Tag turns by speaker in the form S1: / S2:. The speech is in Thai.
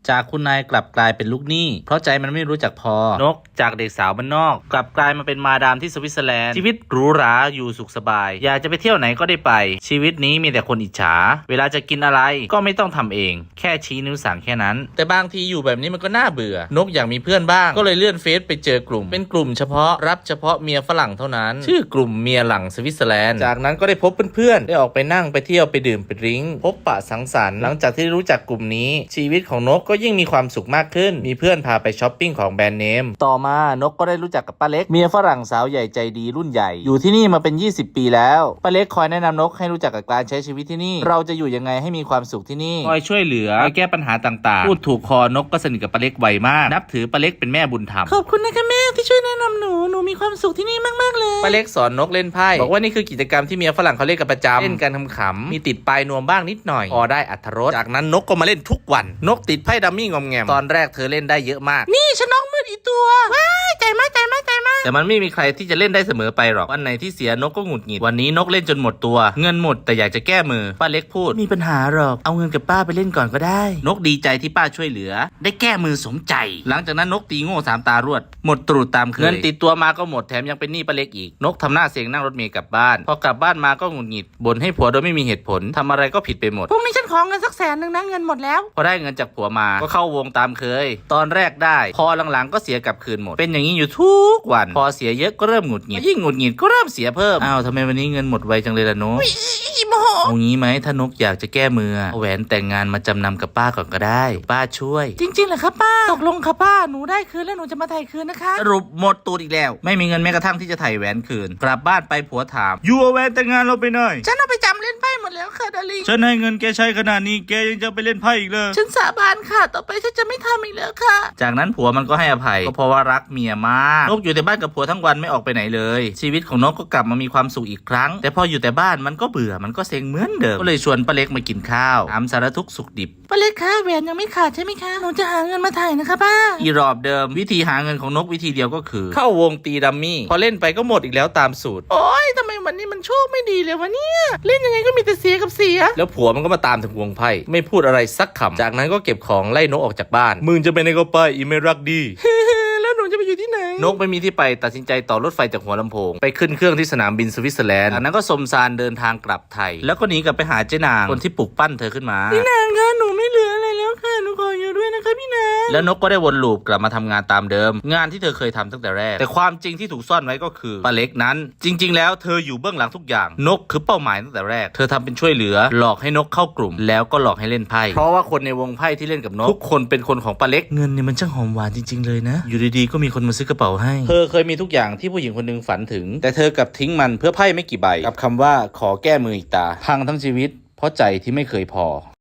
S1: จากคุณนายกลับกลายเป็นลูกหนี้เพราะใจมันไม่รู้จักพอนกจากเด็กสาวบ้านนอกกลับกลายมาเป็นมาดามที่สวิตเซอร์แลนด์ชีวิตหรูหราอยู่สุขสบายอยากจะไปเที่ยวไหนก็ได้ไปชีวิตนี้มีแต่คนอิจฉาเวลาจะกินอะไรก็ไม่ต้องทำเองแค่ชี้นิ้วสั่งแค่นั้นแต่บางทีอยู่แบบนี้มันก็น่าเบื่อนกอยากมีเพื่อนบ้างก็เลยเลื่อนเฟซไปเจอกลุ่มเป็นกลุ่มเฉพาะรับเฉพาะเมียฝรั่งเท่านั้นชื่อกลุ่มเมียหลังสวิตเซอร์แลนด์จากนั้นก็ได้พบเพื่อนๆได้ออกไปนั่งไปเที่ยวไปดื่มไปดริ้งพบปะสังสรรค์หลังจากที่รู้จักกลุ่มนี้ชีวิตของนกก็ยิ่งมีความสุขมากขึ้นมีเพื่อนพาไปช้อปปิ้งของแบรนด์เนมต่อมานกก็ได้รู้จักกับป้าเล็กเมียฝรั่งสาวใหญ่ใจดีรุ่นใหญ่อยู่ที่นี่มาเป็น20 ปีแล้วป้าเล็กคอยแนะนำนกให้รู้จักกับการใช้ชีวิตที่นี่เราจะอยู่ยังไงให้มีความสุขที่นี่คอยช่วยเหลือคอยแก้ปัญหาต่างๆพูดถูกคอนกก็สนิทกับป้าเล็กไวมากนับถือป้าเล็กเป็นแม่บุญธรรม
S2: ขอบคุณนะคะแม่ที่ช่วยแนะนำหนูมีความสุขที่นี่มากๆเลย
S1: ป้าเล็กสอนนกเล่นไพ่บอกว่านี่คือกิจกรรมที่เมียฝรั่งเขาเล่นกันประจำเล่นกันขำๆมีติดปลายนวมบ้างนิดหน่อยพอได้อรรถรสจากนั้นนกก็มาเล่นทุกวันนกติดไพ่ดัมมี่งอมแงมตอนแรกเธอเล่นได้เยอะมาก
S2: นี่ฉันน้องมืดอีตัวว้ายใจมาก
S1: แต่มันไม่มีใครที่จะเล่นได้เสมอไปหรอกวันไหนที่เสียนกก็หงุดหงิดวันนี้นกเล่นจนหมดตัวเงินหมดแต่อยากจะแก้มือป้าเล็กพูด
S2: มีปัญหาหรอกเอาเงินกับป้าไปเล่นก่อนก็ได้
S1: นกดีใจที่ป้าช่วยเหลือได้แก้มือสมใจหลังจากนั้นนกตีโง่3 ตารวดหมดตรูดตามเคยเงินติดตัวมาก็หมดแถมยังเป็นหนี้ป้าเล็กอีกนกทำหน้าเสียงนั่งรถเมล์กลับบ้านพอกลับบ้านมาก็หงุดหงิดบ่นให้ผัวโดยไม่มีเหตุผลทำอะไรก็ผิดไปหมด
S2: พรุ่งนี้ฉันขอเงินสัก100,000นะเงินหมดแล้ว
S1: พอได้เงินจากผัวมาก็เข้าวงตามเคยตอนแรกได้พอหลังๆก็เสียกลับคืนหมดเป็นอย่างนี้อยู่ทุกวันพอเสียเยอะก็เริ่มหงุดหงิดยิ่งหงุดหงิดก็เริ่มเสียเพิ่มอ้าวทำไมวันนี้เงินหมดไวจังเลยล่ะนก
S2: โมโห
S1: เอางี้ไหมถ้านกอยากจะแก้มือเอาแหวนแต่งงานมาจำนำกับป้าก่อนก็ได้ป้าช่วย
S2: จริงๆเหรอครับป้าตกลงค่ะป้าหนูได้คืนแล้วหนูจะมาไถ่คืนนะคะ
S1: สรุปหมดตูดอีกแล้วไม่มีเงินแม้กระทั่งที่จะไถ่แหวนคืนกลับบ้านไปผัวถามยูเอาแหวนแต่งงานเราไปหน่อย
S2: ฉันเอาไปจำเล่นไพ่หมดแล้วค่ะดาริง
S1: ฉันให้เงินแกใช้ขนาดนี้แกยังจะไปเล่นไพ่อีกเลย
S2: ฉันสาบานค่ะต่อไปฉันจะไม่ทำอีกแล้วค่ะ
S1: จากนั้นผัวมันก็ให้อภัยก็เพราะว่ารักเมียมากนกอยู่แต่บ้านกับผัวทั้งวันไม่ออกไปไหนเลยชีวิตของนกก็กลับมามีความสุขอีกครั้งแต่พออยู่แต่บ้านมันก็เบื่อมันก็เซ็งเหมือนเดิมก็เลยชวนป้าเล็กมากินข้าวถามสารทุกข์สุขดิบ
S2: ป้าเล็กคะแหวนยังไม่ขาดใช่ไหมคะหนูจะหาเงินมาไถ่นะคะป้า
S1: อีรอบเดิมวิธีหาเงินของนกวิธีเดียวก็คือเข้าวงตีดัมมี่พอเล่นไปก็หมดอีกแล้วตามสูตร
S2: โอ๊ยทำไมวันนี้มันโชคไม่ดีเลยวะเนี่ยเล่นยังไงก็มีแต่เสียกับเสีย
S1: แล้วผัวมันก็มาตามถึงวงไพ่ไม่พูดอะไรสักคำจากนั้นก็เก็บของไล่นกออกจากบ้านมึงจะไปไหนก็ไปอีไม่รักดี
S2: แล้วหนูจะไปอยู่ที่ไหน
S1: นกไม่มีที่ไปตัดสินใจต่อรถไฟจากหัวลำโพงไปขึ้นเครื่องที่สนามบินสวิตเซอร์แลนด์จากนั้นก็สมซานเดินทางกลับไทยแล้วก็หนีกลับไปหาเจ้นางคนที่ปลุกปั้นเธอขึ้นมา
S2: พี่นางคะหนูไม่เหลืออะไรแล้วค่ะหนูขออยู่ด้วยนะคะพี่นาง
S1: แล้วนกก็ได้วนลูปกลับมาทำงานตามเดิมงานที่เธอเคยทำตั้งแต่แรกแต่ความจริงที่ถูกซ่อนไว้ก็คือป้าเล็กนั้นจริงๆแล้วเธออยู่เบื้องหลังทุกอย่างนกคือเป้าหมายตั้งแต่แรกเธอทำเป็นช่วยเหลือหลอกให้นกเข้ากลุ่มแล้วก็หลอกให้เล่นไพ่เพราะว่าคนในวงไพ่ที่เล่นกับนกทุกคนเป็นคนของป้าเล็ก
S2: เงินเนี่ยมันช่างหอมหวานจริงๆเลยนะ
S1: อยู่ดีๆก็มีคนมาซื้อกระเป๋าให้เธอเคยมีทุกอย่างที่ผู้หญิงคนหนึ่งฝันถึงแต่เธอกลับทิ้งมันเพื่อไพ่ไม่กี่ใบกับคำว่าขอแก้มืออีกตาพังทั้งชีวิตเพราะใจที่ไม่เคยพอ